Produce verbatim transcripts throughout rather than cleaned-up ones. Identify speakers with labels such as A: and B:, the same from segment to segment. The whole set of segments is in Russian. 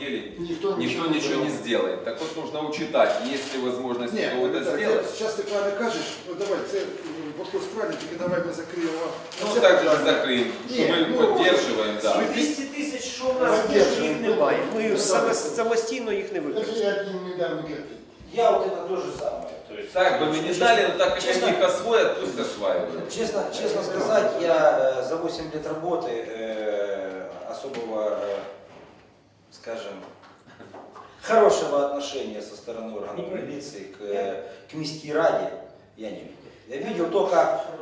A: деле
B: никто,
A: никто ничего не сделает. Так вот нужно учитать, есть ли возможность это сделать.
C: Сейчас ты правильно кажешь, ну давай, це вопрос правильный, только давай мы закроем.
A: Ну так же закрыем, что мы поддерживаем, да.
D: двісті тисяч, що в нас їх немає. Ми самостійно їх не використаємо.
E: Я вот это то же самое. То есть,
A: Так бы мы не дали, но так как они их освоят, пусть осваивают.
E: Честно, честно сказать, я э, за восемь лет работы э, особого, э, скажем, хорошего отношения со стороны органов милиции к, э, к мести ради я не видел. Я видел только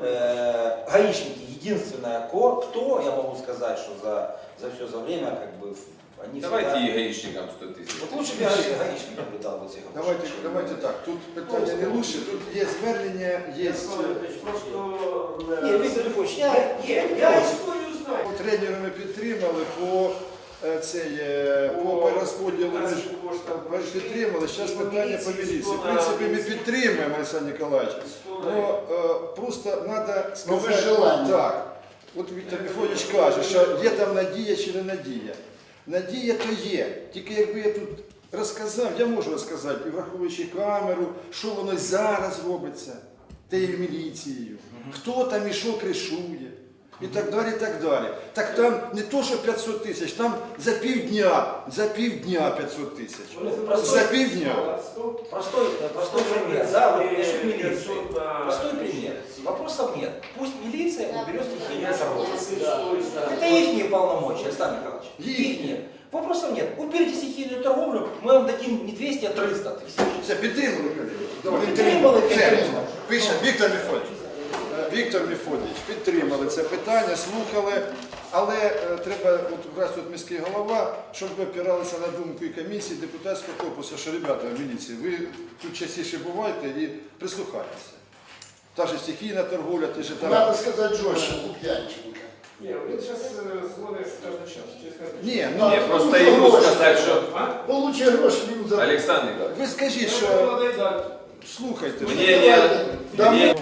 E: э, гаишники, единственное, кто, я могу сказать, что за, за все за время, как бы, они
A: Давайте
E: всегда...
A: и гаишникам сто тысяч.
E: Вот лучше бы я гаишникам дал вот этих.
C: Давайте, давайте так, тут питання не лучше, тут є звернення, є...
D: Просто...
E: Ні, Віктор Львович, я...
D: Є, я історію знаю.
C: Тренера ми підтримали по, е, цей, е, по перерозподілу, ми ж ми ж підтримали, зараз питання по міліції. В принципі, ми підтримуємо, Олександр Ніколаївич, але просто треба сказати так. От Віктор Мефодійович каже, що є там надія чи не надія. Надія то є, тільки якби я тут розказав, я можу розказати, і враховуючи камеру, що воно зараз робиться тією міліцією, хто там і що кришує, і так далі, і так далі. Так там не то, що п'ятсот тисяч, там за півдня, за півдня п'ятсот тисяч. За півдня.
E: Простой, простой пример, да, вот насчет милиции. Простой пример. Вопросов нет. Пусть милиция уберет стихийную торговлю. Это их полномочия, Александр Михайлович. Их нет. Вопросов нет. Уберите стихийную торговлю, мы вам дадим не двести, а триста тысяч.
C: Все, підтримали, колеги.
E: Підтримали, підтримали.
C: Пише Віктор Мефодійович. Віктор Мефодійович, підтримали це питання, слухали, але е, треба, от якраз тут міський голова, щоб ви опиралися на думку і комісії, депутатського корпусу, що, ребята, в міліції, ви тут частіше буваєте і прислухайтеся. Та ж стихійна торговля, ті ж там...
B: Надо сказать жестче, Лук'янченко.
F: Ні, він зараз дзвонить кожен час. через кожен час.
C: Ні, ну,
A: Не, просто ему сказать, что...
B: Получи гроші, він за...
A: Александр Николаевич,
C: ви скажіть,
F: Що
C: що
F: надоїдать?
C: слухайте.
A: мне не...
B: Да,
A: мне-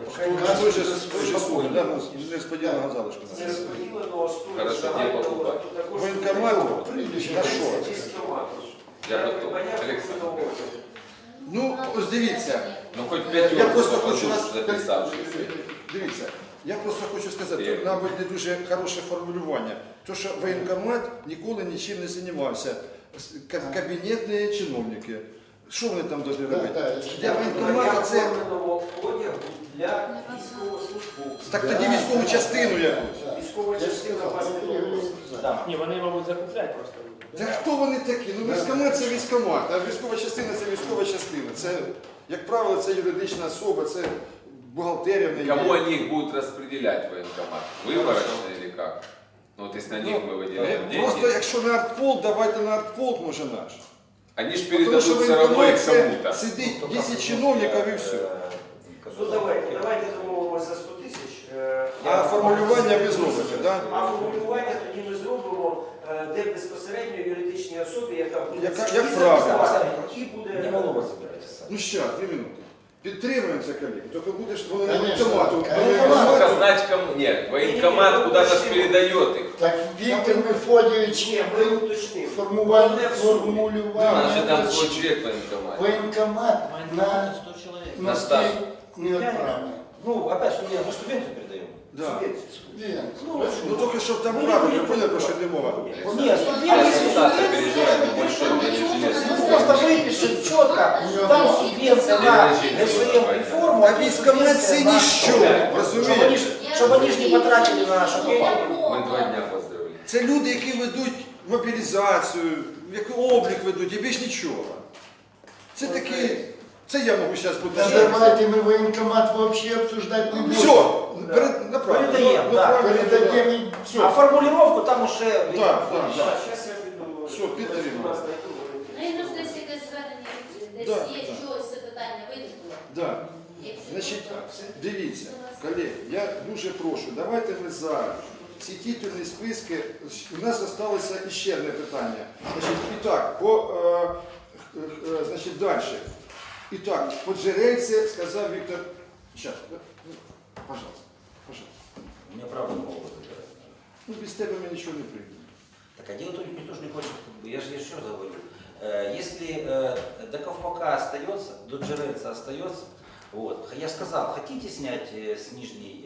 C: Ви ж спокійно, да, ну, несподіваного залишку.
D: Це розподілено стоїть.
A: Хорошо, де покупати?
C: Воєнкомату? На що?
A: Я готов. Александр.
C: Ну, ось дивіться.
A: Ну хоть
C: Я
A: пятерку
C: просто хочу
A: попаду,
C: вас...
A: записавшись.
C: Дивіться, я просто хочу сказати, тут, мабуть, не дуже хороше формулювання. То, що воєнкомат ніколи нічим не займався. К- Кабінетні чиновники. Що вони там повинні робити? Для воєнкомата це...
D: Для військовослужбовців.
C: Так тоді військову частину якусь.
D: Військова частина паспорту.
F: Ні, вони, мабуть, закупляють просто.
C: Та хто вони такі? Ну військкомат це військкомат, а військова частина це військова частина. Це, як правило, це юридична особа, це бухгалтерія. в неї.
A: Кому они их будут распределять военкомат? Выборочно или как? Ну вот если на них мы выделяем
C: Ну, просто
A: деньги,
C: якщо на артполк, давайте на артполк, може наш.
A: они же
C: Тому що
A: передадут все равно
C: воєнкомат
A: их
C: це
A: кому-то.
C: сидить десять чиновників і все.
D: Ну давайте, давайте домовимося за сто тисяч. Е,
C: А
D: я-
C: формулювання ви зробите, так?
D: А формулювання тоді ми зробимо, е, де безпосередньо юридичній особі, яка буде
C: Яка-
D: ці
C: як
D: списки
C: правильно?
D: ставити, і
E: Не
D: буде...
E: могу вас забирать сами.
C: Ну ще, дві минути. Підтримуємо це, колеги. Тільки будеш голови
B: Конечно,
C: воєнкомату.
B: конечно.
A: Только знать кому. Нет, военкомат куда-то ж передает их.
B: Так Віктор Мефодійович
D: Ні, ми уточнимо.
B: формував,
D: Головне в суді.
A: У
B: формулював.
A: нас же там свой человек в военкомате.
B: Воєнкомат на
A: На
B: носки
A: Стас.
B: не відправив.
E: Ну, опять же, мы субвенцию передаем.
C: Да.
B: Ні.
C: Ну тільки щоб там правильно, поняли, про що йде мова?
E: Нет,
A: Я
E: субвенция,
A: Стаса переживаю, не большой, мне не
E: ну,
A: интересно.
E: просто выпишем четко, там субвенция на ГСМ реформу,
C: А військкомат це ніщо,
E: Чтобы
C: розумієте?
E: они, ж- чтобы они ж не потратили на шоколад.
A: Мы два дня поздравили.
C: Це люди, які ведуть мобілізацію, які облік ведуть, і більш нічого. Це такі, це я можу зараз бути.
B: Та давайте ми воєнкомат взагалі обсуждати не будемо.
C: Все, перед, направо.
E: Передаємо,
C: Ну,
E: да,
C: правильно,
B: передаємо.
C: ну, все.
E: А формулировку там уже...
C: Так, так, так.
D: Зараз я піду.
C: Все, підтримуємо.
G: Ну і нужно десь якесь звернення, десь
C: Да,
G: є
C: да.
G: щось, це питання виникло.
C: Да.
G: Якщо
C: Значить,
G: так,
C: дивіться, колеги, я дуже прошу, давайте ми зараз ці титульні списки, у нас залишилося іще одне питання. Значить, і так, по, е, е, значить, далі. І так, по джерельці сказав Віктор, зараз, пожалуйста, пожалуйста.
E: Мне правда могут забирать.
C: Ну, без тебе ми нічого не прийдемо.
E: Так а дело тут никто же не хочет, как бы, я же еще раз говорю, э, если э, до Ковпака остается, до Джерельца остается, вот, я сказал, хотите снять э, с нижней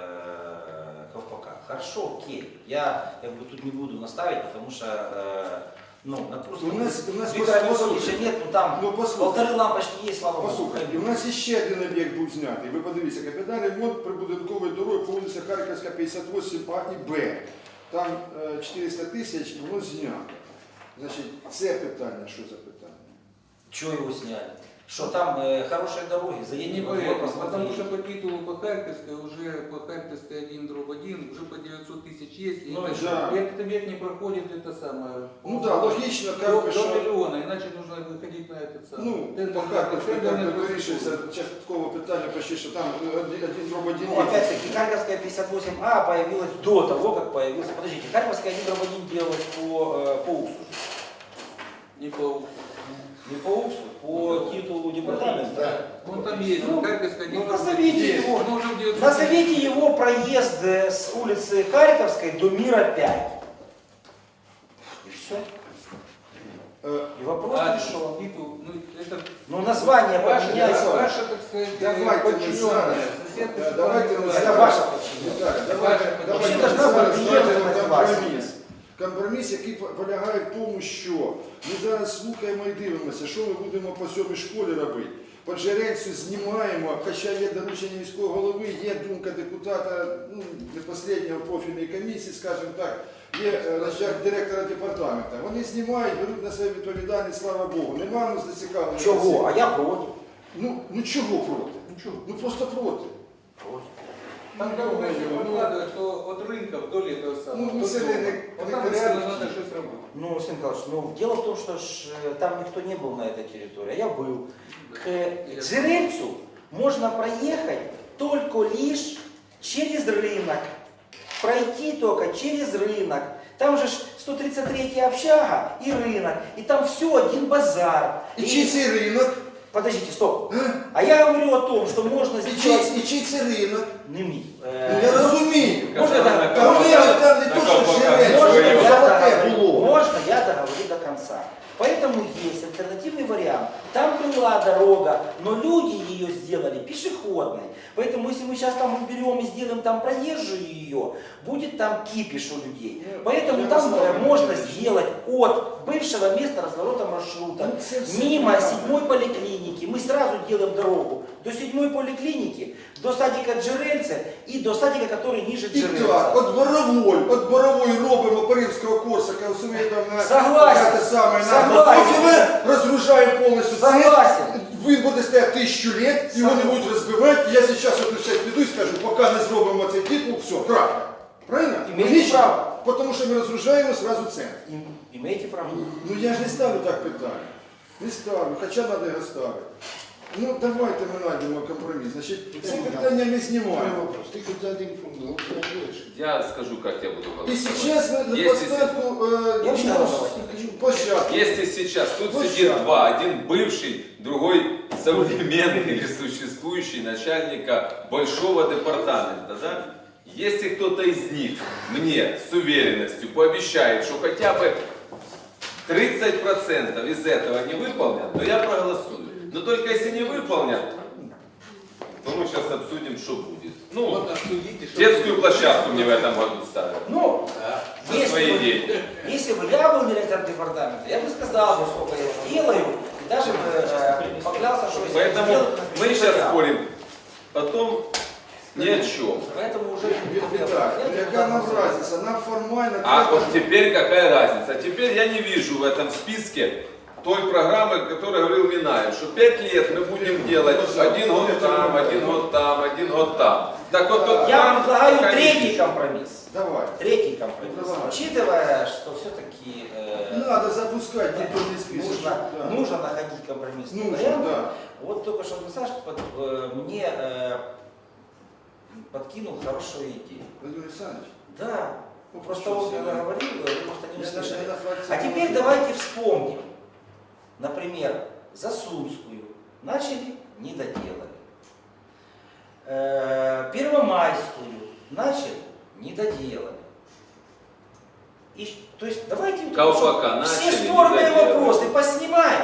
E: э, Ковпака? Хорошо, окей, я как бы тут не буду наставить, потому что э, ну, нагрузка
C: У нас, у нас
E: Виктора
C: послухайте,
E: Анатольевича нет, ну там
C: ну, послухайте.
E: полторы лампочки есть, слава Богу.
C: Послухайте, у нас ще один об'єкт був знятий. Ви подивіться, капітальний ремонт прибудинкової дороги по вулиці Харківська, п'ятдесят вісім А і Б. Там е, чотириста тисяч, воно знято. Значить, це питання, що за питання?
E: Чего его сняли? Что там э, хорошие дороги,
F: И
E: заедете
F: не
E: во двор,
F: поэтому, потому
E: посмотрите.
F: что по титулу по Харьковской уже по Харьковской один дробь один уже по девятьсот тысяч есть. И
E: Ну,
F: иначе-
C: да.
F: и этот объект не проходит это самое.
C: Ну да, логично,
F: до,
C: как бы,
F: до
C: что...
F: миллиона, иначе нужно выходить на этот самый.
C: Ну,
F: тендерный-
C: по Харківській
F: тендерный
C: так
F: процедуры.
C: вирішується частково питання, почти, що там один, один дроб один
E: Ну, опять-таки, Харьковская пятьдесят восемь А появилась до того, как появился... Подождите, Харьковская один дробь один делалась по, э, по УКСу.
F: Не по...
E: Не по УКСу, по титулу департамента.
B: Да.
F: Вон там есть,
E: Ну,
F: Харьковская один
E: ну,
F: дробь
E: назовите
F: один.
E: его.
F: Оно уже в девятьсот
E: Назовите его проезд э, с улицы Харьковской до Мира пять. И все.
C: Е,
E: И вопрос
F: А,
E: решен.
F: титул, ну, это
E: Ну, название
F: ваша,
E: поменять.
C: Олександр,
F: ваша, так сказать,
C: давайте мы
F: подчиненная.
C: зараз,
F: Соседка
C: е,
F: Светлана
C: давайте ми
F: Николаевна.
E: Это
C: зараз-
E: ваша подчиненная.
C: Віталій, давайте,
F: Ваша
C: давайте
E: подчинення.
C: ми
E: Должна
C: зараз
E: бути
C: знайдемо
E: єдність
C: компроміс. Компроміс, який полягає в тому, що ми зараз слухаємо і дивимося, що ми будемо по сьомій школі робити. По Джерельцю знімаємо, хоча є доручення міського голови, є думка депутата, ну, безпосередньо профільної комісії, скажімо так, є е, начальник директора департаменту. Вони знімають, беруть на себе відповідальність, слава Богу. Нема у нас зацікавленості.
E: Чего? А я против.
C: Ну, ну чого проти?
F: Ничего.
C: Ну просто проти.
E: Против.
F: Там как бы выкладывают, что от рынка вдоль этого самого.
C: Ну,
F: вдоль
C: це
F: дома.
C: не-
F: Вот
C: не
F: там
C: реально.
F: надо что-то работать.
E: Ну, Василий Николаевич, ну, дело в том, что ж, э, там никто не был на этой территории, а я был. К э, Джерельцу можно проехать только лишь через рынок. Пройти только через рынок. Там же ж сто тридцать третья общага и рынок. И там все один базар.
C: І чий це ринок?
E: Подождите, стоп. А я говорю о том, что можно
C: І
E: сделать...
C: чий, і чий це ринок?
E: Не мне.
C: Ну я розумію.
E: Можно я
A: На
E: дog-
C: Там
A: Ковпака-
C: ринок, там не
A: на
C: то, що
A: Ковпака.
C: Джерельцю,
E: Можно
A: Свое.
C: там
E: я
C: золоте
E: договорю?
C: було.
E: Можно я договорю до конца. Поэтому есть альтернативный вариант. Там была дорога, но люди ее сделали пешеходной. Поэтому если мы сейчас там уберем и сделаем там проезжую ее, будет там кипиш у людей. Поэтому
C: я
E: там
C: вас
E: э,
C: понял.
E: можно сделать от бывшего места разворота маршрута,
C: Ну, це все
E: мимо
C: правда.
E: седьмой поликлиники. Мы сразу делаем дорогу до седьмой поликлиники, до садика Джерельца и до садика, который ниже
C: І
E: Джерельца.
C: так, от Боровой, от Боровой робимо по Римського Корсака, усуєте на
E: Согласен.
C: те саме, на
E: Согласен.
C: Потім ми розгружаємо повністю це.
E: Согласен.
C: Він буде стояти тисячу лет, і вони
E: Согласен.
C: будуть розбивати. І я зараз от зараз піду і скажу, поки не зробимо цей титул, все, крапка. Правильно?
E: Имеете
C: Логично?
E: право.
C: Тому що ми розгружаємо сразу центр.
E: Им- Имеете право.
C: Ну я ж не ставлю так питання. Не ставлю, хоча треба його ставити. Ну давайте ми знайдемо компроміс. Значить, це питання ми
B: Первый
C: знімаємо.
B: вопрос. Ты хоть за один пункт голосуешь.
A: Я скажу, как я буду
C: І
A: голосовать.
C: зараз на, на
A: Если
C: поставку
E: Я вообще
C: ну,
E: голосовать не хочу.
C: площадку.
A: Если сейчас тут
C: Вот
A: сидит
C: щас.
A: два, один бывший, другой современный или существующий начальника большого департамента, да? Если кто-то из них мне с уверенностью пообещает, что хотя бы тридцать процентов из этого не выполнят, то я проголосую. Но только если не выполнят, то мы сейчас обсудим, что будет. Ну,
F: Вот обсудите, что
A: детскую
F: будет.
A: площадку мне в этом году ставят.
E: Ну,
A: За
E: если
A: свои
E: бы,
A: деньги.
E: если бы я был директором департамента, я бы сказал, бы, сколько я сделаю, и даже бы э, поклялся, что если
A: Поэтому
E: сделаю, то
A: мы
E: напишу
A: сейчас
E: я.
A: спорим о том ни о чем.
E: Поэтому уже...
C: Так, яка нам разниця? Нам формально
A: А
C: треба-
A: вот теперь какая разница? Теперь я не вижу в этом списке той программы, о которой говорил Минаев, что пять лет мы будем делать один год там, один год там, один год там. Так вот, вот
E: Я
A: там
E: предлагаю
A: пока не
E: третий
A: вижу.
E: компромисс.
C: Давай.
E: Третий компромисс.
C: Давай.
E: Учитывая, что все-таки
C: Надо запускать титульный список.
E: нужно,
C: да.
E: нужно находить компромиссный
C: Нужно,
E: вариант.
C: да.
E: Вот только что Александр под- э, мне э, подкинул хорошую идею.
C: Владимир Александрович,
E: Да.
C: ну,
E: Просто
C: что
E: он
C: себе?
E: когда говорил, вы просто не
C: Я
E: услышали.
C: даже на фракции
E: А теперь
C: не
E: давайте вспомним. Например, Засунскую начали, не доделали. Э, Первомайскую начали, не доделали. И, ш- то То есть давайте
A: Колпака
E: все
A: начали,
E: спорные
A: не доделали.
E: вопросы поснимаем.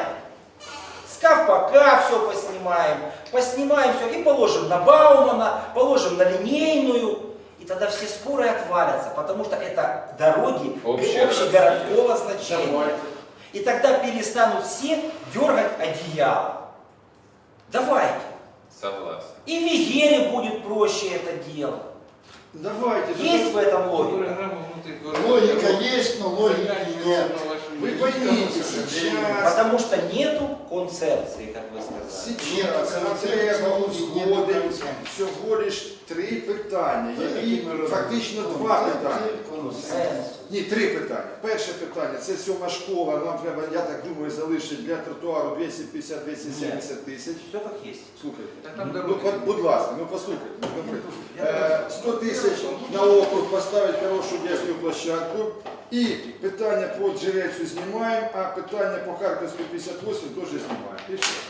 E: С колпака все поснимаем, поснимаем все и положим на Баумана, положим на линейную. И тогда все споры отвалятся, потому что это дороги
A: Общее
E: общегородского значения.
C: Давайте.
E: И тогда перестанут все дергать одеяло. Давайте.
A: Согласен.
E: И Вегере будет проще это делать.
C: Давайте.
E: Есть в этом логика?
F: Программа внутри города.
B: Логика есть, но логики нет.
C: Вы поймите, сейчас,
E: Потому что нету концепции, как вы сказали.
C: сейчас на третьому згоди всього лиш три питання. Які фактично два питання.
E: Консенсус.
C: Ні, три питання. Перше питання, це сьома школа, нам треба, я так думаю, залишити для тротуару двісті п'ятдесят - двісті сімдесят тисяч.
E: Все как есть.
C: Слухайте.
F: Так там
C: Ну,
F: дороги.
C: по- будь ласка, ну послухайте. ну, добре. Е, сто тисяч на округ поставити хорошу дитячу площадку. І питання по Джерельцю знімаємо, а питання по Харківській п'ятдесят вісім теж знімаємо. І все.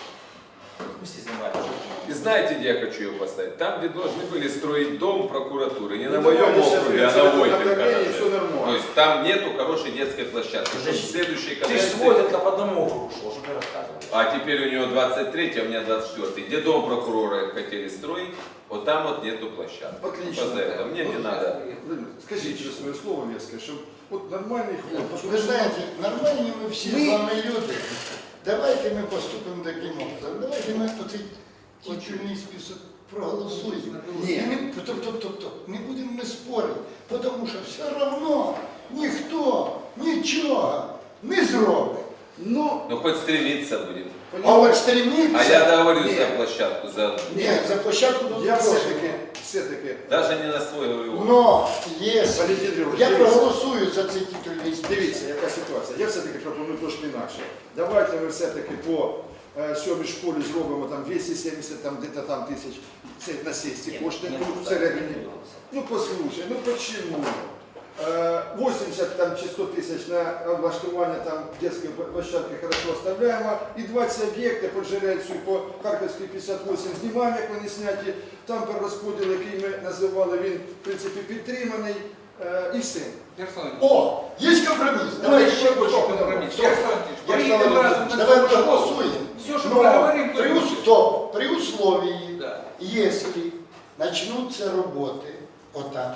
E: Мы все снимаем.
A: И знаете, где я хочу ее поставить? Там, где должны были строить дом прокуратуры. Не
C: Ну,
A: на моем
C: давайте сейчас
A: округе, а
C: в
A: на
C: этом
A: Войтенко.
C: направлении
A: например.
C: всё нормально.
A: То есть там нету хорошей детской площадки. Чтобы в следующей
E: Ты же
A: каденции-
E: свой только по одному округу шел, что ты рассказываешь.
A: А теперь у него двадцать третий, а у меня двадцать четвёртый. Где дом прокурора хотели строить, вот там вот нету площадки.
C: Отлично.
A: По за это. Мне не надо.
C: Блин, скажіть через своє слово веске, щоб от нормальний ход.
B: Ви знаєте, нормальні ми всі
C: Ми-
B: з вами люди. Давайте ми поступимо таким образом. Давайте ми оцей тільки список проголосуємо.
C: Ні.
B: І не, тобто, тобто, тобто, не будемо ми спорити, тому що все одно ніхто нічого не зробить.
C: Ну,
A: Ну хоть стремиться будем.
B: А от стремитися...
A: А я договорюсь
C: Нет.
A: за площадку, за...
B: Ні, за площадку тут
C: я
B: просимо.
C: все-таки, все-таки,
A: Даже не на свой говорю.
B: Но, якщо
C: Валентин Григорович,
B: я
C: дивіться.
B: проголосую за цей титульний список.
C: Дивіться, яка ситуація. Я все-таки пропоную трошки інакше. Давайте ми все-таки по е, сьомій школі зробимо там двісті сімдесят там, где-то там тисяч це на сесті кошти, ну, всередині. Ну, послушай, ну почему? Е, вісімдесят там, чи сто тисяч на облаштування там детської площадки хорошо оставляємо, і двадцять об'єктів по Джерельцю і по Харківській п'ятдесят вісім знімаємо, як вони зняті, там перерозподіл, який ми називали, він в принципі підтриманий, е, і все.
F: Ярослав
B: О, є компроміс. Давай
F: Ильич,
B: ще
F: больше
B: стоп,
F: компромисс.
B: стоп.
F: Ярослав Ильич,
B: Ярослав
F: поедем
B: Ильич,
F: разом на
B: давай
F: школу.
B: проголосуем.
F: Все, что
B: Но
F: проговорим, то
B: при,
F: и
B: ус-
F: будет.
B: стоп, при условии,
F: Да.
B: если начнутся работы, вот там,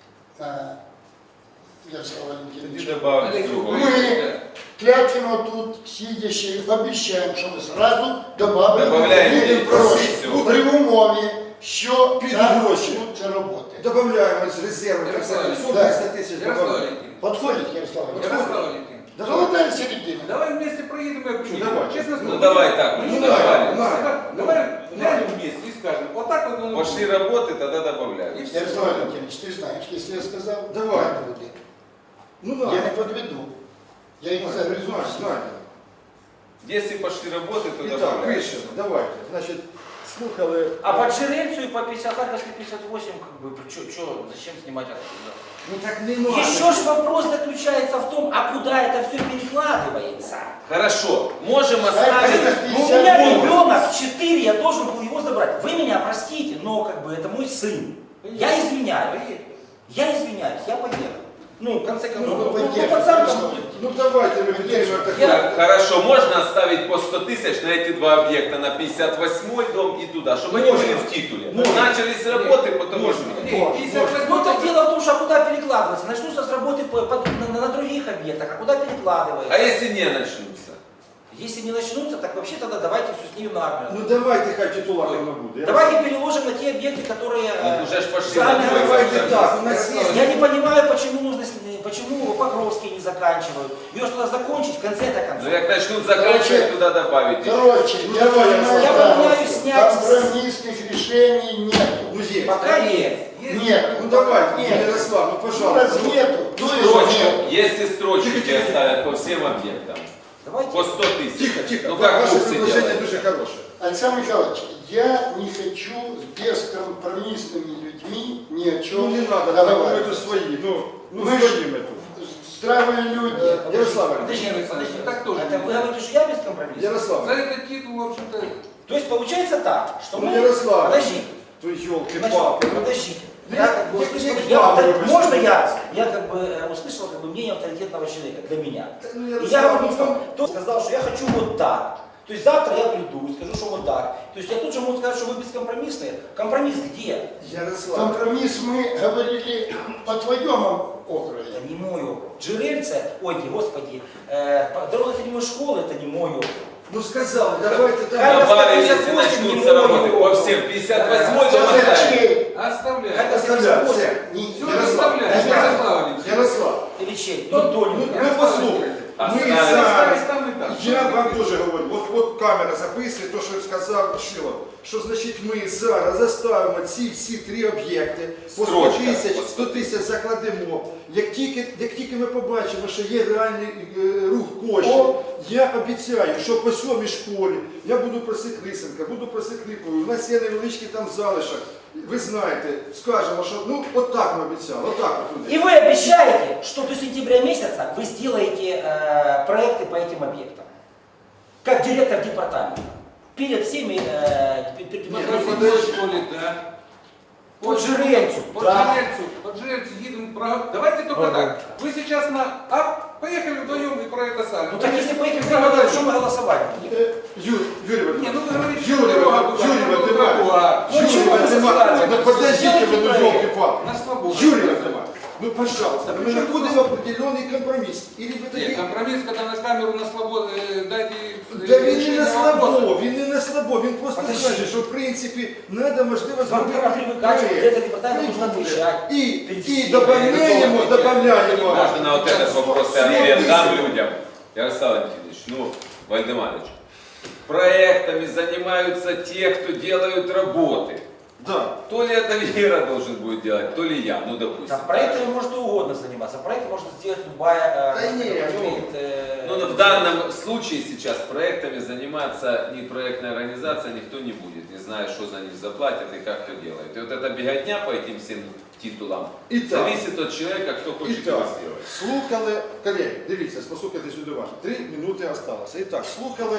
B: а, Ярослав
A: Тоді
B: Валентинович,
A: добавить
F: Олег
A: другого.
F: Григорьевич,
B: мы клятвенно тут сидящие обещаем, что мы сразу добавимо
A: Добавляємо
B: один
A: і
B: гроші.
A: все.
B: При умові, що
C: Підуть
B: там
C: гроші.
B: почнуться роботи.
C: Добавляємо з резерву, так
F: Ярослав
C: сказати, сто
B: Да.
C: триста тисяч
F: Ярослав
C: добавляємо.
F: Валентинович,
B: Подходит, Ярослав Валентинович?
F: Ярослав Валентинович,
B: Золотая середина.
F: давай вместе проедем и определим.
C: давай.
F: Честно
A: Ну
F: слово.
A: давай так,
C: Ну,
A: ну
C: давай,
A: давай.
C: давай.
F: Давай глянем вместе и скажем, вот так вот он и
A: Пошли
F: будет.
A: работы, тогда
F: И
A: добавляем.
F: все.
B: Ярослав Валентинович, ты знаешь, если я сказал,
C: Давай.
B: так будет.
C: Ну
B: Я
C: да.
B: не подведу. Я их загрызу.
C: Знаю,
B: всіх.
C: знаю.
A: Если пошли работы, то
C: І так,
A: добавляем.
C: пишемо, давайте. Значить, слухали.
E: А по Джерельцу и по пятьдесят, Харьковской пятьдесят восемь, как бы, чё, чё, зачем снимать оттуда?
C: Ну так не надо.
E: Еще ж вопрос заключается в том, а куда это все перекладывается?
A: Хорошо, можем
B: Дай
A: оставить.
B: пятьдесят
E: Ну, у меня
B: пятьдесят.
E: ребенок четыре, я должен был его забрать. Вы меня простите, но как бы это мой сын. Я извиняюсь. Я извиняюсь, я поеду. Ну, в конце концов,
B: Ну,
E: ну,
B: вы
E: ну,
B: поедете,
E: пацан
B: Ярослав
E: там-
B: Валентинович.
C: Ну давайте ми підтримуємо таке.
E: Я-
A: Хорошо, можно оставить по сто тысяч на эти два объекта, на пятьдесят восьмой дом и туда, чтобы они
C: Можно.
A: были в титуле.
C: Можно.
A: Начались работы, потом
C: Можно.
A: можно.
F: Эй, пятьдесят восьмой
E: Ну, так дело в том, что а куда перекладываться? Начнутся с работы по- по- на, на других объектах, а куда перекладывается?
A: А если не начнутся?
E: Если не начнутся, так вообще тогда давайте все снимем на армию.
C: Ну давайте хай титулаками буде. Я
E: Давайте переложим на те объекты, которые...
A: Ну,
E: э,
A: уже ж пошли
E: сами
A: на
C: Ну,
A: двое.
C: давайте так, у нас є.
E: Я не понимаю, почему нужно, с- почему Покровские не заканчивают. Ее же надо закончить в конце-то
A: Ну
E: концов.
A: как начнут заканчивать,
B: Короче,
A: туда добавить.
B: Короче,
C: Ну,
B: я
C: давай,
B: понимаю,
E: я
B: да,
E: понимаю, снять-
B: компромиссных решений нету.
C: Ну є.
E: Пока есть.
F: Есть.
B: Нет.
C: Ну давайте,
B: Нет.
C: Ярослав, ну
B: Ну,
C: пожалуйста.
B: раз нету, то есть
A: Строчки,
B: нет.
A: если строчки тебе оставят по всем объектам,
E: Давайте.
A: по сто тысяч.
C: Тихо, тихо.
A: Ну как
C: Ваше
A: курсы
C: предложение
A: делать?
C: дуже хороше.
B: Александр Михайлович, я не хочу с бескомпромиссными людьми ни о
C: Ну
B: чем
C: не надо, так ми
B: договариваться.
C: тут свої. Ну, ну
B: Ми ж-
C: свої ми тут.
B: Здравые люди.
C: Ярослав,
E: Подожди,
F: Александр
E: подожди.
F: Александрович, так тоже
E: Это
F: не
E: вы
F: надо.
E: говорите, что я без компромисса?
C: Ярослав,
F: За этот титул, в общем-то,
E: То есть получается так, что
C: Ну,
E: мы...
C: Ярослав.
E: Подожди.
C: то елки-палки.
E: Значит, подождите. Я как бы
C: Я-
E: услышал,
C: я-
E: я-
C: я-
E: так, можно я, я как бы э, услышал как бы мнение авторитетного человека для меня.
C: Ну,
E: И
C: Ярослав,
E: я говорю,
C: ну,
E: что тот сказал, что я хочу вот так. То есть завтра я приду и скажу, что вот так. То есть я тут же могу сказать, что вы бескомпромиссные. Компромисс где?
C: Ярослав,
B: Компромисс мы говорили по твоем округе.
E: Это не мой округ. Джерельце, ой, господи, э, по- дорога седьмой школы, это не мой округ.
C: ну сказал, давайте там.
E: Хай
A: Добавили,
E: пятьдесят
A: если
E: восемь
A: начнутся
E: не
A: работы
E: могут.
A: по всем. пятьдесят восьмой
B: Це
A: дом оставили.
B: чей?
F: Оставляй.
E: Хай
C: Оставляй,
E: восемь.
C: все.
B: Ні,
F: Все
C: Ярослав,
F: оставляй.
C: Ярослав,
F: Ярослав Ильич.
C: Ярослав,
E: Или чей?
C: ну,
E: Тот
C: ну,
E: Донин.
C: ну послухайте, ми
A: Оставили.
C: зараз,
F: Там і так.
C: я вам дуже говорю, от, от камера записує, то, що сказав Шилов, що значить ми зараз заставимо ці всі три об'єкти, по сто
A: Строчка.
C: тисяч, сто тисяч закладемо. Як тільки, як тільки ми побачимо, що є реальний е, рух коштів,
B: О.
C: я обіцяю, що по сьомій школі я буду просити Лисенка, буду просити Липову, у нас є невеличкий там залишок. Ви знаєте, скажемо, що ну от так ми обіцяли, от так от буде.
E: И вы обещаете, что до сентября месяца вы сделаете э, проекты по этим объектам. Как директор департамента. Перед всеми э, пе- перед
F: По
C: Ні,
E: департаментом.
C: ну,
F: седьмой школе, да.
E: По Жирельцу,
F: По
E: да.
F: Жирельцу, по Жирельцу едем. про- Давайте только так. Вы сейчас на АП, поехали вдвоем и про это сами.
E: Ну так если поехали, то что мы голосовать будем?
C: Е, Ю- Юрій
F: Не,
C: Вадимович,
F: ну вы говорите, что
C: Юрий
F: дорога
C: Вадимович,
F: туда,
C: Юрий
F: а потом
C: Вадимович,
F: тротуар.
E: Ну,
C: Юрий
E: чего вы
C: Вадимович,
E: заставили?
C: ну подождите
E: Сделайте
C: вы, ну
E: проект.
C: елки-палки.
F: На свободу.
C: Юрий Вадимович, ну пожалуйста, мы находим определенный компромисс. Или вы
F: Нет,
C: такие...
F: компромисс, когда на камеру на свободу э, дайте э,
C: Да він не
F: решение
C: на
F: вопроса.
C: слабо, він не на слабо, він просто
E: Подожди.
C: каже, що в принципі треба можливо
E: Вам пора привыкать, что директор департамента
C: Хай
E: нужно
C: буде.
E: отвечать.
C: І,
E: Перед
C: і
E: всеми.
C: додаємо, додаємо.
A: Можно на вот этот вопрос
C: Сто
A: ответ дам
C: тысяч.
A: людям. Ярослав Валентинович, ну, Вальдемарович, проектами занимаются те, кто делают работы.
C: Да.
A: То ли это Вера должен будет делать, то ли я, ну допустим.
E: Там проектами может кто угодно заниматься. Проект может сделать любая...
C: Да
E: э,
C: не,
E: которая
C: ну,
E: имеет, э,
A: Ну, но в данном случае сейчас проектами заниматься ни проектная организация, никто не будет, не зная, что за них заплатят и как это делают. И вот эта беготня по этим всем титулам
C: Итак.
A: зависит от человека, кто
C: І
A: хочет
C: так,
A: его сделать.
C: слухали, колеги, дивіться, послухайте сюди уважно. Три минути залишилося. І так, слухали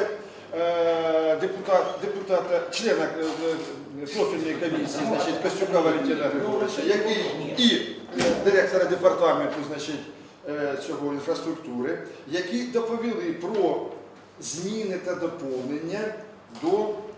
C: е, депутат, депутата, члена е, е, профільної комісії, значить, Костюка Валентина Григоровича, який і е, директора департаменту, значить, е, цього інфраструктури, які доповіли про зміни та доповнення до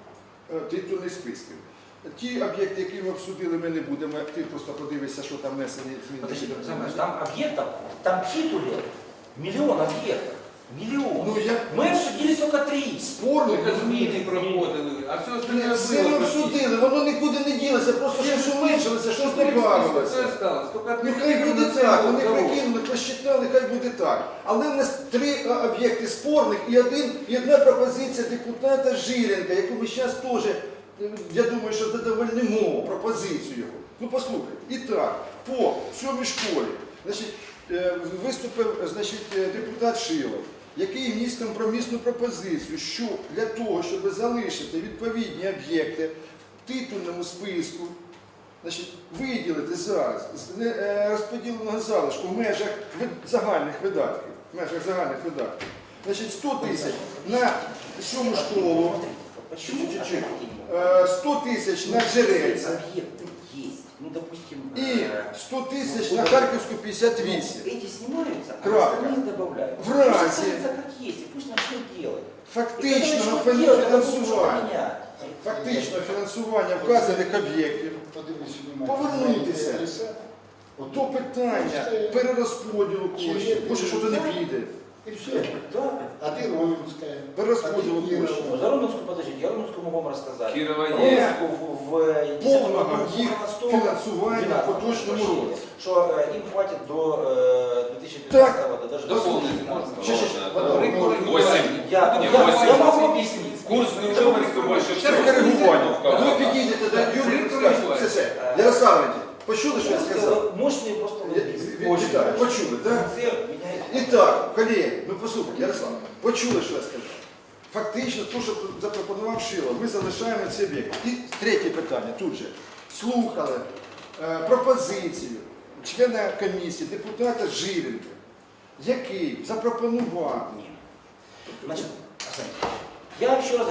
C: е, титульних списків. Ті об'єкти, які ми обсудили, ми не будемо. Ти просто подивишся, що там внесені зміни.
E: Подожди, Александр Ильич, там объектов, там титуле миллион объектов. Миллион.
C: Ну, я...
E: Мы обсудили только три.
C: Спорно,
F: Только зміни проходили, а все остальное
C: все
F: было
C: ми
F: практически.
C: обсудили, воно нікуди не ділося, просто щось уменшилося, щось
F: Что
C: добавилося.
F: осталось? Только
C: Ну
F: отметили
C: хай буде
F: на
C: так,
F: целый
C: вони
F: договор.
C: прикинули, посчитали, хай буде так. Але в нас три а, об'єкти спорних і, один, і одна пропозиція депутата Жиленка, яку ми зараз теж, е, я думаю, що задовольнимо пропозицію його. Ну послухайте, і так, по сьомій школі, значить, е, виступив значить, е, депутат Шилов, який вніс компромісну пропозицію, що для того, щоб залишити відповідні об'єкти в титульному списку, значить, виділити зараз з не- е, розподіленого залишку в межах ви- загальних видатків, в межах загальних видатків, значить, сто тисяч на сьому школу,
E: Почему
C: Чуть-чуть.
E: опять-таки
C: е, сто тисяч на Джерельце
E: объекты есть? Ну, допустим,
C: і
E: э,
C: сто тисяч на Харківську п'ятдесят вісім.
E: эти снимаются, а
C: Кратко.
E: остальные добавляют.
C: В
E: Пусть
C: разе.
E: останется как есть, и пусть начнут делать. И
C: Фактично
E: когда
C: на
E: начнут делать, тогда будут что-то
C: фінансування.
E: менять.
C: Фактично фінансування вказаних об'єктів.
B: Подивись внимательно.
C: Повернутися.
B: Ліса.
C: До питання перерозподілу коштів. Може, що то не піде.
B: І все.
E: Да.
B: А ти Ромінська.
C: Перерозподілу
B: а ти Кірова.
C: коштів.
E: Ну, за Романскую, подождите, я Романскую могу вам рассказать.
A: Кирова есть.
E: Романскую в, в десятом
C: Повного
E: году
C: їх
E: было сто
C: фінансування в
E: двенадцать,
C: поточному
E: прошу
C: році.
E: прощения, Что э, им хватит до э, две тысячи пятнадцатого года, даже
F: До
E: до
F: полной
E: семнадцатого.
C: Ще, ще, ще.
A: Восемь. Восемь.
E: Я,
A: Не,
E: я,
A: восемь.
E: я могу объяснить.
A: Курс не Житомирську больше
C: Це
A: всього.
C: коригування.
A: В кого?
C: Ви підійдете до Юрія і скажете, все, все. Ярослав Леонідович, почули, що я сказав?
E: Мощные просто
C: Я-
E: лоббисты.
C: ви- Вітаю, почули, так?
E: Це міняє.
C: І так, колеги, ну послухайте, Ярослав, почули, що я сказав? Фактично, те, що запропонував Шило, ми залишаємо ці об'єкти. І третє питання, тут же. Слухали е, пропозицію члена комісії, депутата Жиленка, який запропонував.
E: Значит, Арсений, я еще раз говорю,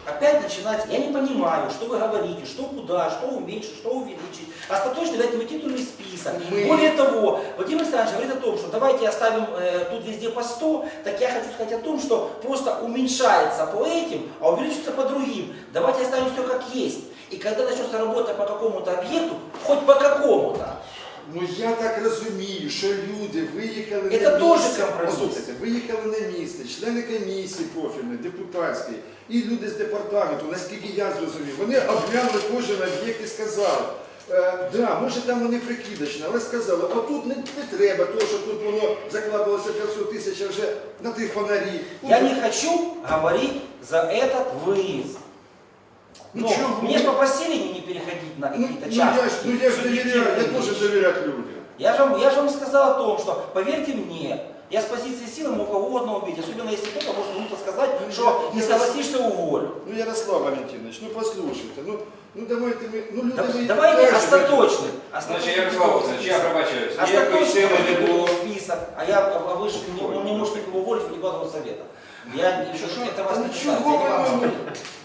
E: опять начинается, я не понимаю, что вы говорите, что куда, что уменьшить, что увеличить. Остаточно дать мне титульный список.
C: Мы-
E: Более того, Владимир Александрович говорит о том, что давайте оставим э, тут везде по сто, так я хочу сказать о том, что просто уменьшается по этим, а увеличится по другим. Давайте оставим все как есть. И когда начнется работа по какому-то объекту, хоть по какому-то,
C: Ну я так розумію, що люди виїхали
E: Це
C: на
E: теж
C: місце.
E: компроміс.
C: Послухайте, виїхали на місце, члени комісії профільної, депутатської, і люди з департаменту, наскільки я зрозумів, вони обглянули кожен об'єкт і сказали, е, да, може там вони прикидочні, але сказали, отут не, не треба, тому що тут воно закладалося п'ятсот тисяч, а вже на ті фонарі.
E: я не хочу говорить за этот выезд.
C: Ну,
E: Но
C: чего?
E: мне же попросили не переходить на
C: Ну,
E: какие-то
C: ну, я, ж-
E: части.
C: ну я ж доверяю, я теж довіряю людям.
E: Я же, вам, я же вам сказал о том, что, поверьте мне, я с позиции силы могу кого угодно убить, особенно если кто-то может кому-то сказать,
C: Ну,
E: что
C: я-
E: не
C: я-
E: согласишься, уволю.
C: Ну Ярослав Валентинович, ну послухайте, ну, ну давайте ми, ну люди
E: Да-
C: ви
E: давайте
C: теж-
E: остаточный.
H: Значить, Ярослав Володимирович, я пробачаюсь. Ніякої
E: Остаточный
H: сили не було.
E: список, а, я, а вы же не, не можете никого уволить, вы не глава совета. Я еще, это вас
C: Ну,
E: не
C: чего
E: касается, я не
C: вы-
E: вам говорю.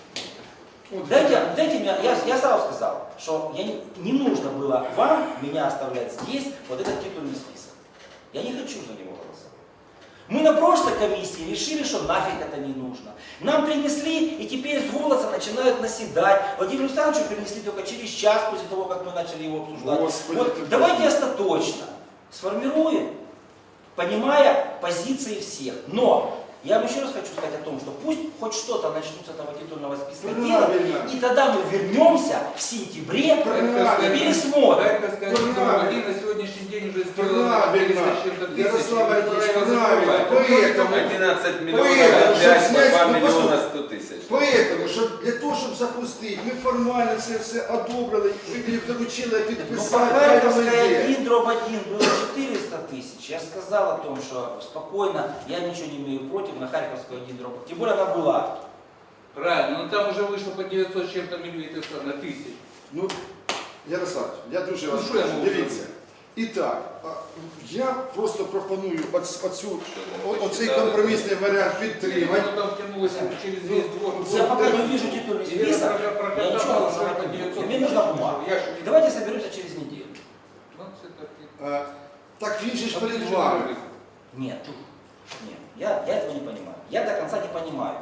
C: От,
E: Дайте, дайте мне, я, я сразу сказал, что я не, не нужно было вам меня оставлять здесь, вот этот титульный список. Я не хочу за него голосовать. Мы на прошлой комиссии решили, что нафиг это не нужно. Нам принесли, и теперь с голоса начинают наседать. Владимиру Александровичу принесли только через час после того, как мы начали его обсуждать.
C: Господи,
E: Вот
C: ты
E: давайте
C: Боже.
E: остаточно сформируем, понимая позиции всех. Но я вам еще раз хочу сказать о том, что пусть хоть что-то начнут с этого титульного списка делать,
C: Правильно.
E: и тогда мы вернемся в сентябре и пересмотрим.
F: Дай-ка сказать, что
C: Правильно.
F: один на сегодняшний день уже сделал
C: Правильно.
F: триста с чем-то тысяч.
C: Ярослав Валентинович,
F: Правильно
C: правильно.
F: забывай.
C: Поэтому,
A: одиннадцать миллионов
C: Поэтому,
A: опять
C: чтоб
A: по
C: снять,
A: два
C: ну,
A: миллиона
C: послушай.
A: сто тысяч.
C: поэтому, щоб для того, щоб запустити, ми формально це все одобрили, ви мені доручили
E: Ну, по
C: підписати.
E: Харьковской
C: хай воно йде.
E: один дробь один было четыреста тысяч. Я сказал о том, что спокойно, я ничего не имею против на Харьковскую один дробь. Тем более она была.
F: Правильно, но там уже вышло по девятьсот с чем-то миллилитров на тысяч.
C: Ну, Ярослав, я дуже
F: Ну,
C: вас
F: що я
C: прошу,
F: можу
C: дивіться.
F: зробити?
C: І так, а, я просто пропоную оц- оцю, о- оцей
A: почитали?
C: компромісний варіант
F: Оно
C: підтримати.
F: там тянулось через весь двор.
E: Я пока не увижу титульный список, я ничего голосовать не буду. Мне нужна бумага.
F: Я ж-
E: Давайте соберемся через неделю.
F: Ну, все-таки.
C: Е, Так він же ж
F: А
C: перед
F: ты
C: вами.
F: что,
E: Нет, нет, я, я этого не понимаю. Я до конца не понимаю.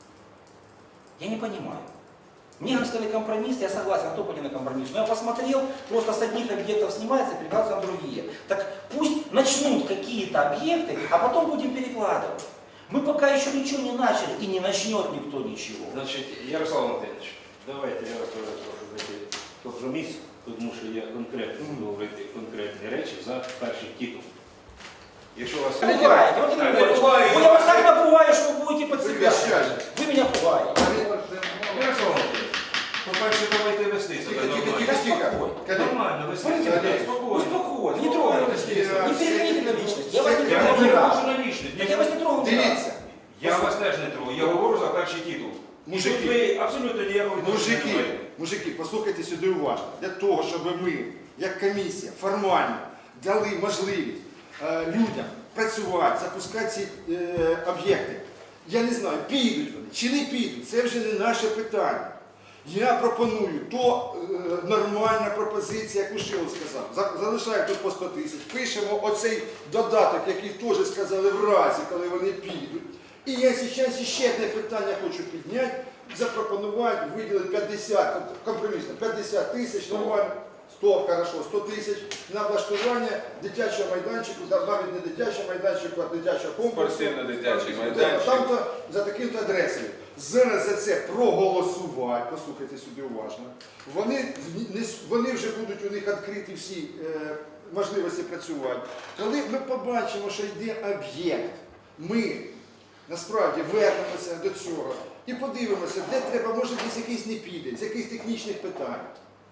E: Я не понимаю. Мне сказали компромисс, я согласен, а кто пойдет на компромисс? Но я посмотрел, просто с одних объектов снимается, перекладывается на другие. Так пусть начнут какие-то объекты, а потом будем перекладывать. Мы пока еще ничего не начали, и не начнет никто ничего.
H: Значить, Ярослав Володимирович, давайте я вас прошу знайти компроміс, тому що я конкретно буду говорити конкретні речі за перший титул. Якщо у вас
E: Вы пугаете, вот
H: Та
E: это
H: не
E: говорите.
H: пугаю.
E: Вы я вас так напугаю, что вы будете под себя.
C: Прекращайте.
E: Вы меня пугаете.
H: Ярослав Володимирович, по-перше, давайте вести себе
C: Тихо, тихо,
H: нормально.
C: тихо, тихо.
E: спокойно.
C: Кадик,
H: Нормально, вести
E: Смотрите,
H: себе
C: Кадик,
H: спокійно.
E: Успокойтесь, не трогайте.
C: Спокойно.
E: Не переходите на личность. Я вас не
H: Я
E: трогаю
H: не
E: ни разу.
H: можу на лічність.
E: Так я вас не трогаю ни разу.
C: Дивіться,
H: Я вас теж не трогаю, я говорю за перший титул. І тут
C: Мужики.
H: ви абсолютно ніякого відношення не
C: мужики,
H: маєте.
C: мужики, послухайте сюди уважно. Для того, щоб ми, як комісія, формально дали можливість е, людям працювати, запускати ці е, об'єкти. Я не знаю, підуть вони чи не підуть, це вже не наше питання. Я пропоную, то е, нормальна пропозиція, як Ушилов сказав, За- залишаємо тут по сто тисяч, пишемо оцей додаток, який теж сказали в разі, коли вони підуть. І я зараз ще одне питання хочу підняти, запропонувати, виділити п'ятдесят, тобто компромісно, п'ятдесят тисяч, нормально, сто, хорошо, сто тисяч на облаштування дитячого майданчику, да, навіть не дитячого майданчику, а дитячого комплексу.
A: Спортивно-дитячий
C: Да,
A: майданчик.
C: Там-то за таким-то адресою. Зараз за це проголосувати, послухайте сюди уважно. Вони, в- не с- вони вже будуть у них відкриті всі е, можливості працювати. Коли ми побачимо, що йде об'єкт, ми насправді вернемося до цього і подивимося, де треба, може десь якийсь не піде, з якихось технічних питань.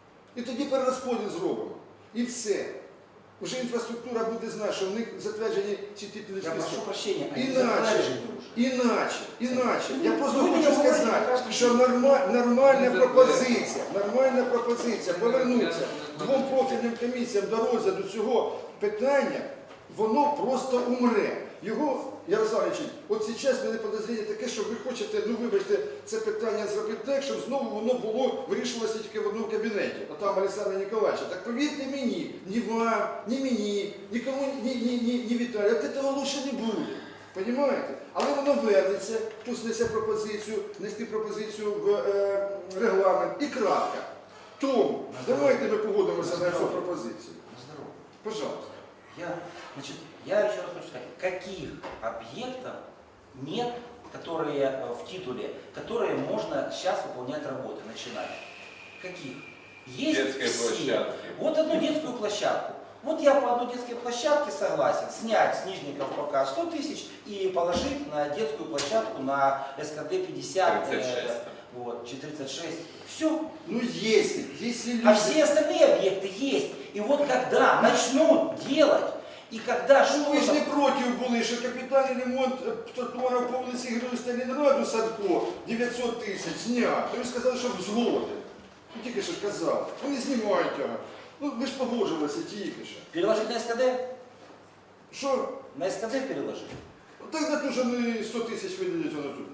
C: І тоді перерозподіл зробимо. І все. Вже інфраструктура буде знати, що в них затверджені ці титульні
E: Я прошу
C: списки.
E: прощения, они
C: Іначе,
E: затверджены уже.
C: іначе, іначе. Я просто
E: Ви
C: хочу
E: мені говорите
C: сказати,
E: прекрасно.
C: що норма, нормальна пропозиція, нормальна пропозиція повернутися двом профільним комісіям до розгляду цього питання, воно просто умре. Його, Ярославович, от зараз в мене підозріння таке, що ви хочете, ну вибачте, це питання зробити так, щоб знову воно було, вирішувалося тільки в одному кабінеті, а там Олександра Ніколаєвича. Так повірте мені, ні вам, ні мені, нікому, ні, ні, ні, ні Віталію, от цього лучше не буде. Понімаєте? Але воно вернеться, хтось несе пропозицію, нести пропозицію в е, регламент і крапка. Тому, давайте ми погодимося на цю пропозицію.
E: Здорово.
C: Пожалуйста.
E: Я, значит, я еще раз хочу сказать, каких объектов нет, которые э, в титуле, которые можно сейчас выполнять работы, начинать? Каких? Есть
A: Детские
E: все.
A: площадки.
E: Вот одну детскую площадку. Вот я по одной детской площадке согласен снять с Нижников пока сто тысяч и положить на детскую площадку на эс ка дэ пятьдесят,
A: тридцать шесть.
E: э, вот, тридцать шесть. Все.
C: Ну, если, если люди...
E: А все остальные объекты есть. И вот когда начнут делать, и когда
C: Ну, ви ж не
E: что-то...
C: проти були, що капітальний ремонт е, тротуару по вулиці Героїв Сталінграду Садко дев'ятсот тисяч зняв. То ви сказали, що згоден. Ну, тільки що ж казав. Ну, не знімають його. Ну, ви ж погоджувалися тільки що.
E: Переложить на эс ка дэ?
C: Що?
E: На эс ка дэ переложить.
C: Ну, Тогда тоже не сто тисяч виділять воно тут.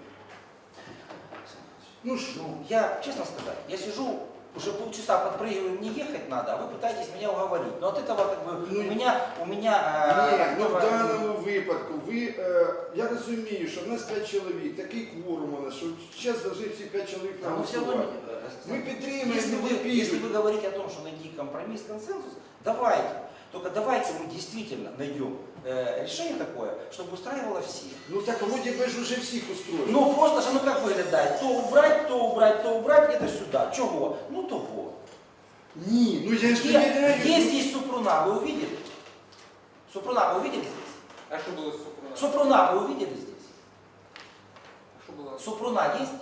C: Ну що?
E: Ну, я, честно сказать, я сижу, уже полчаса подпрыгиваю, мне ехать надо, а вы пытаетесь меня уговорить. Но от этого как бы
C: Ну,
E: у меня, у меня...
C: Ні,
E: э,
C: ну в
E: этого-
C: даному випадку ви, е, я розумію, що в нас п'ять чоловік, такий кворум у нас, що зараз повинні всі п'ять чоловік
E: А, ну, все равно,
C: проголосувати.
E: э,
C: Ми підтримуємо,
E: если
C: люди
E: вы, если
C: підуть.
E: вы говорите о том, что найти компромисс, консенсус, давайте. Только давайте мы действительно найдем э, решение такое, чтобы устраивало всех.
C: Ну так вроді би ж уже всіх устроїли.
E: Ну просто же, ну как выглядит? То убрать, то убрать, то убрать, это сюда. Чего? Ну того.
C: Ні, ну я ж
E: Где,
C: довіряю.
E: где здесь Супруна, вы увидели? Супруна вы увидели здесь?
F: А что было с Супруна?
E: Супруна вы увидели здесь?
F: А что было?
E: Супруна есть?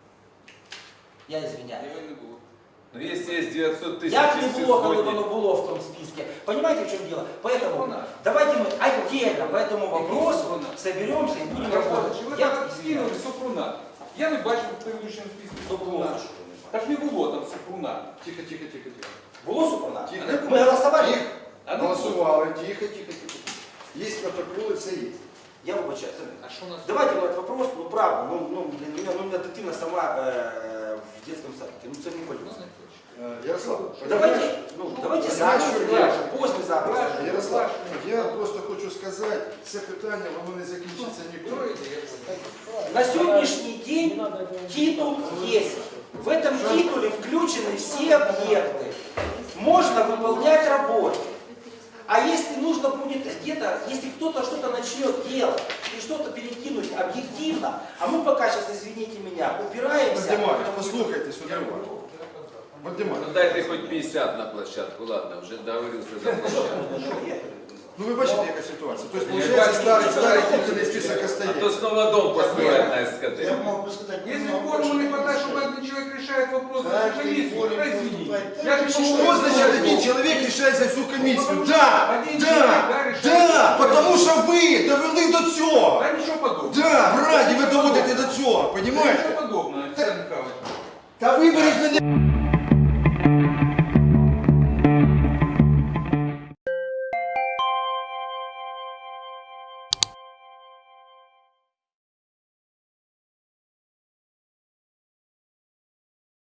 E: Я извиняюсь.
F: Я не было.
A: Ну, если есть девятьсот тысяч,
E: Як не
A: все
E: було, коли
A: сгодні.
E: воно було в том списке. Понимаете, в чем дело? Поэтому
F: Супруна.
E: давайте мы отдельно по этому вопросу
F: Супруна.
E: соберемся и будем
F: Михайло
E: работать.
F: Іванович, ви
E: Я
F: так скинули Супруна. Я не бачив в предыдущому списку Супруна. Так не було там Супруна.
C: Тихо, тихо, тихо, тихо.
E: Было Супруна?
C: Тихо.
E: Мы голосовали?
C: Тихо.
F: А не було.
C: Голосували, тихо, тихо, тихо. Є протоколи, це є.
E: Я выбачаюсь.
F: А що у нас?
E: Давайте вот вопрос, ну правда, ну, ну для меня, ну, у меня дитина сама э, в детском садике, ну це не хочется.
C: Е, Ярослав,
E: Давайте,
C: понимаєш?
E: ну, давайте
C: Понимаешь,
E: завтра,
C: что
E: завтра,
C: я-
E: после завтра.
C: Ярослав, я просто хочу сказати, це питання, воно не закінчиться ніколи.
E: На сегодняшний день титул есть. В этом титуле включены все объекты. Можно выполнять работу. А если нужно будет где-то, если кто-то что-то начнет делать и что-то перекинуть объективно, а мы пока сейчас, извините меня, упираемся.
C: Вадимович, послухайте сюди уважно. Вадимович,
A: Ну дайте хоть пятьдесят на площадку, ладно, уже договорился за площадку.
C: ну ви бачите, яка ситуація. Тобто,
A: Я
C: виходить,
A: бачу,
C: старий,
A: що
C: старий
A: це
C: титульний список
A: А
C: остається.
A: то снова дом построят на эс ка
B: Я
A: дэ.
B: мог бы сказать,
F: Если
B: ну,
F: формулы не
B: больше
F: хватает,
B: не
F: чтобы
B: знаю.
F: один человек решает вопрос за
B: Каждый
F: комиссию,
B: волен
F: тогда извини.
B: поступать
F: Я
B: так,
F: же
B: что
F: не
C: Що значить один чоловік рішає за всю комісію? Да,
F: Один
C: да,
F: чоловік, да, рішає
C: да,
F: за всю
C: тому
F: комісію.
C: що ви довели до цього.
F: Да ничего подобного.
C: Да, в Раді ви доводите до цього,
F: Да
C: понімаєте?
F: ничего подобного, Александр Михайлович.
C: Та виберіть мене.